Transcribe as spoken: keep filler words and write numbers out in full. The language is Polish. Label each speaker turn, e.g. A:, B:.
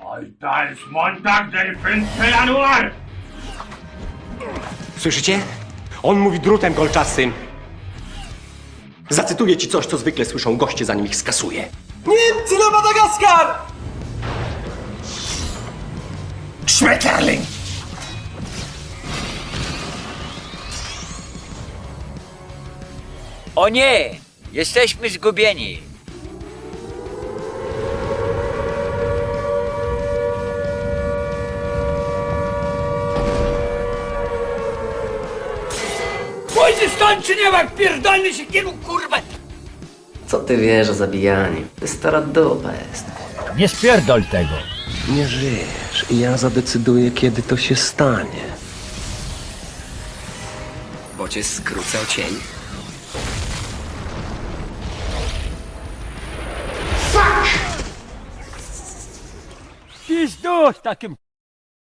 A: Heute ist Montag, der fünfte Januar!
B: Słyszycie? On mówi drutem kolczastym. Zacytuję ci coś, co zwykle słyszą goście, zanim ich skasuje.
C: Niemcy na Madagaskar!
B: Schmetterling!
D: O nie! Jesteśmy zgubieni. Pójdzie stąd czy nie ma, pierdolny się kielu, kurwa!
E: Co ty wiesz o zabijaniu? Ty stara dupa jest.
F: Nie spierdol tego.
B: Nie żyjesz i ja zadecyduję, kiedy to się stanie.
E: Bo cię skrócał cień.
F: Pizdu z takim